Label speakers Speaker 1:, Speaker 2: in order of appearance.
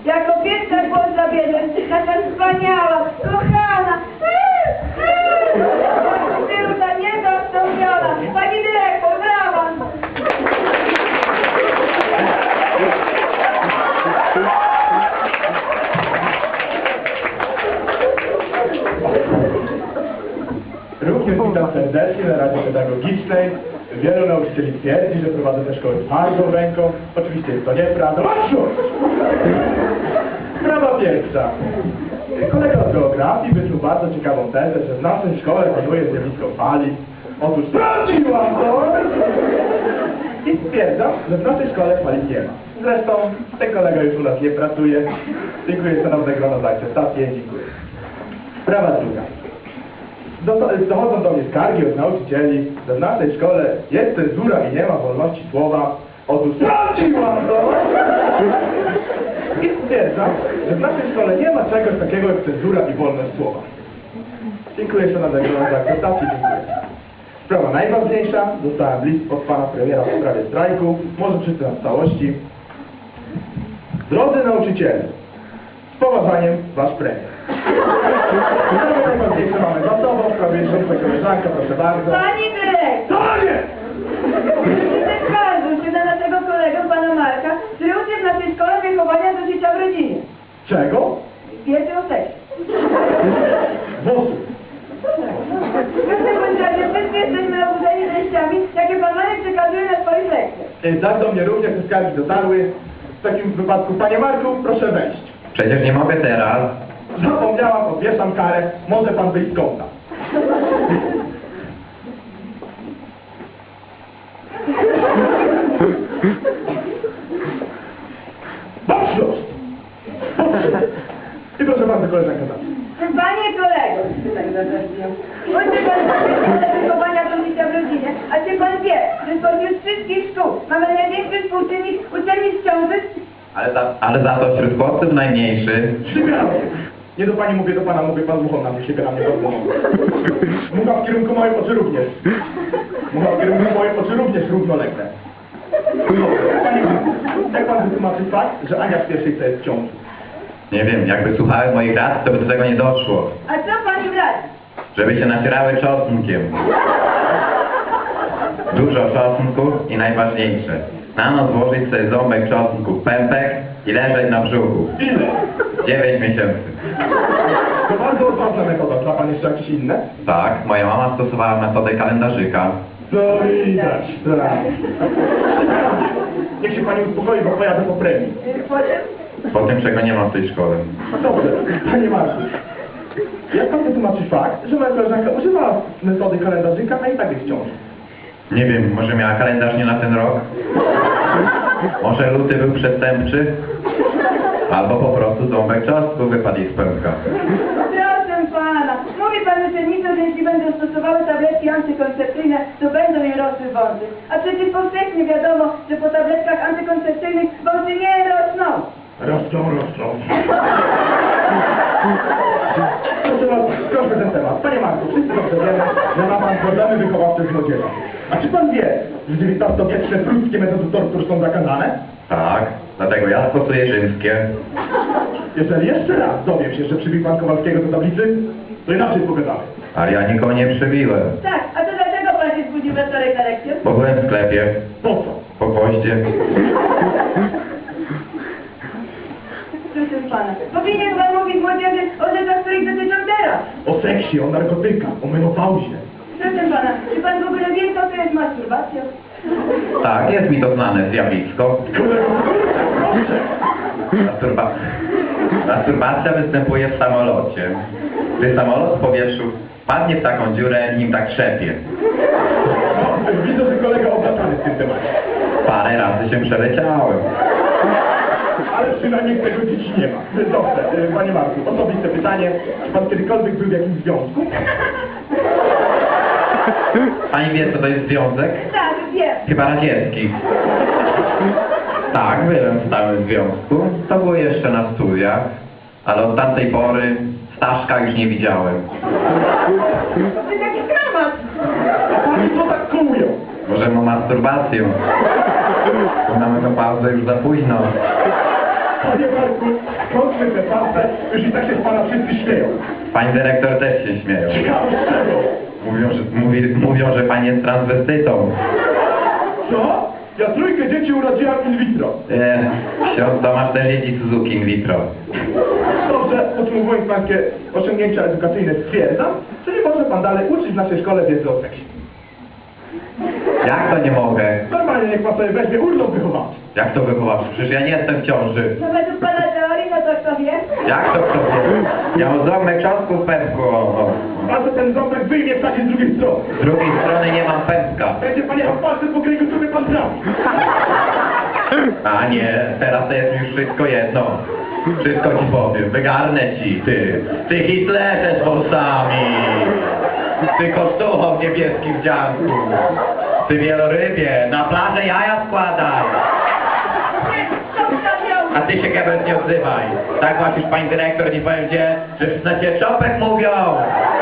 Speaker 1: Jako pierwsza głos zabierze, taka wspaniała, kochana. Tyłka niezastąpiona. Pani dyrektor, brawa.
Speaker 2: Również witam serdecznie na Radzie Pedagogicznej. Wielu nauczycieli twierdzi, że prowadzę te szkoły twardą ręką. Oczywiście jest to nieprawda. Marszu! Sprawa pierwsza. Kolega z geografii wysnuł bardzo ciekawą tezę, że w naszej szkole panuje zjawisko fali. Otóż sprawdziłam to! I stwierdzam, że w naszej szkole fali nie ma. Zresztą ten kolega już u nas nie pracuje. Dziękuję szanowne grono za akceptację. Dziękuję. Sprawa druga. Dochodzą do mnie skargi od nauczycieli, że w naszej szkole jest cenzura i nie ma wolności słowa. Otóż sprawdziłam to! I stwierdzam, że w naszej szkole nie ma czegoś takiego jak cenzura i wolność słowa. Dziękuję szanownego za akceptację, dziękuję. Sprawa najważniejsza. Dostałem list od pana premiera w sprawie strajku. Może przeczytam w całości. Drodzy nauczyciele, z poważaniem wasz premier. Sprawy najważniejsze mamy za sobą, w sprawie żółtej koleżanka, proszę bardzo.
Speaker 1: Pani dyrektor.
Speaker 2: Panie!
Speaker 1: Skarżył się na naszego kolegę, pana Marka, który uczy w naszej szkole wychowania do życia w rodzinie.
Speaker 2: Czego?
Speaker 1: Wiedzy o seksie.
Speaker 2: Włosów.
Speaker 1: W każdym bądź razie wszyscy jesteśmy oburzeni treściami, jakie pan Marek przekazuje na swoich lekcjach.
Speaker 2: Tak, do mnie również te skargi dotarły. W takim wypadku, panie Marku, proszę wejść.
Speaker 3: Przecież nie mogę teraz.
Speaker 2: Zapomniałam, odwieszam karę. Może pan wyjść z kąta. Baczność! I proszę bardzo, koleżanka zacznie.
Speaker 1: Panie kolego, bądźcie pan w wychowania do życia w rodzinie, a czy pan wie, że spośród wszystkich szkół mamy największy współczynnik uczelni w ciąży?
Speaker 3: Ale za to wśród chłopców najmniejszy.
Speaker 2: Ślipia! Nie do pani mówię, do pana mówię, pan muchą na mnie, ślipia na mnie bardzo mocno. Mucha w kierunku moich oczy również. Mucha w kierunku moich oczy również równolegle. Panie Marku, jak pan wytłumaczy fakt, że Ania w pierwszej co jest w ciąży?
Speaker 3: Nie wiem, jakby słuchały moich rad, to by do tego nie doszło.
Speaker 1: A co pani radzi?
Speaker 3: Żeby się nacierały czosnkiem. Dużo czosnku i najważniejsze. Na noc włożyć sobie ząbek czosnku w pępek i leżeć na brzuchu.
Speaker 2: Ile?
Speaker 3: 9 miesięcy.
Speaker 2: To bardzo odważna metoda. Zna pan jeszcze jakieś inne?
Speaker 3: Tak, moja mama stosowała metodę kalendarzyka.
Speaker 2: To widać, tak. Niech się pani uspokoi, bo pojadę po premii.
Speaker 1: Potem?
Speaker 3: Po tym, czego nie ma w tej szkole.
Speaker 2: Dobrze, panie Marku. Jak pan wytłumaczy fakt, że moja koleżanka używała metody kalendarzyka, a i tak jest w ciąży?
Speaker 3: Nie wiem, może miała kalendarz nie na ten rok? Może luty był przestępczy? Albo po prostu ząbek czosnku wypadł jej z pępka.
Speaker 1: Proszę pana, mówi pan uczennicom, że jeśli będą stosowały tabletki antykoncepcyjne, to będą im rosły wąsy. A przecież powszechnie wiadomo, że po tabletkach antykoncepcyjnych wąsy nie rosną.
Speaker 2: Rosną. Proszę ten temat. Panie Marku, wszyscy dobrze wiemy, że ma pan problemy wychowawcze z młodzieżą. A czy pan wie, że XIX-wieczne pruskie metody tortur są zakazane?
Speaker 3: Tak, dlatego ja stosuję rzymskie.
Speaker 2: Jeżeli jeszcze raz dowiem się, że przybił pan Kowalskiego do tablicy, to inaczej pogadamy.
Speaker 3: Ale ja nikogo nie przybiłem.
Speaker 1: Tak, a to dlaczego pan się zbudził we wtorek na lekcję?
Speaker 3: Bo byłem w sklepie,
Speaker 2: Po co?
Speaker 3: po gwoździe.
Speaker 1: Proszę pana, powinien pan mówić młodzieży o rzeczach, których dotyczą teraz.
Speaker 2: O seksie, o narkotykach, o menopauzie.
Speaker 1: Proszę pana, czy pan w ogóle wie, co to jest masturbacja?
Speaker 3: Tak, jest mi to znane zjawisko. Masturbacja występuje w samolocie. Gdy samolot w powietrzu padnie w taką dziurę, nim tak trzepie.
Speaker 2: Widzę, że kolega obracany w tym temacie.
Speaker 3: Parę razy się przeleciałem.
Speaker 2: Ale przynajmniej tego dzieci nie ma. Dobrze, panie Marku, osobiste pytanie. Czy pan kiedykolwiek był w jakimś związku?
Speaker 3: Pani wie, co to jest związek?
Speaker 1: Tak, wiem.
Speaker 3: Chyba radziecki. Tak, byłem w stałym związku. To było jeszcze na studiach. Ale od tamtej pory Staszka już nie widziałem.
Speaker 1: To jest jakiś dramat.
Speaker 2: A pani co tak kołują?
Speaker 3: Może ma masturbację. Bo na menopauzę już za późno.
Speaker 2: Panie Marku, kończmy tę farsę, już i tak się z pana wszyscy śmieją.
Speaker 3: Pani dyrektor też się śmieją.
Speaker 2: Ciekawe z czego?
Speaker 3: Mówią, że pani jest transwestytą.
Speaker 2: Co? Ja trójkę dzieci urodziłam in vitro.
Speaker 3: Ksiądz Tomasz też jeździ Suzuki in vitro.
Speaker 2: Dobrze, podsumowując pańskie osiągnięcia edukacyjne, stwierdzam, że nie może pan dalej uczyć w naszej szkole wiedzy o seksie.
Speaker 3: Jak to nie mogę?
Speaker 2: Normalnie niech pan sobie weźmie urlop wychowawczy.
Speaker 3: Jak to wychowawczy? Przecież ja nie jestem w ciąży.
Speaker 1: No według pana teorii, no to kto wie?
Speaker 3: Jak to kto wie? Ja mam ząbek książku w pępku.
Speaker 2: Pan sobie ten ząbek wyjmie w takiej z drugiej strony.
Speaker 3: Z drugiej strony nie mam pępka.
Speaker 2: Będzie pan jechał palcem po kręgu, sobie pan trafi.
Speaker 3: A nie, teraz to jest już wszystko jedno. Wszystko ci powiem, wygarnę ci, ty. Ty Hitlerze z włosami. Ty kostucho w niebieskim wdzianku. Ty wielorybie, na plażę jaja składaj. A ty się Gebert nie odzywaj. Tak właśnie pani dyrektor, nie powiem gdzie, że na cię czopek mówią.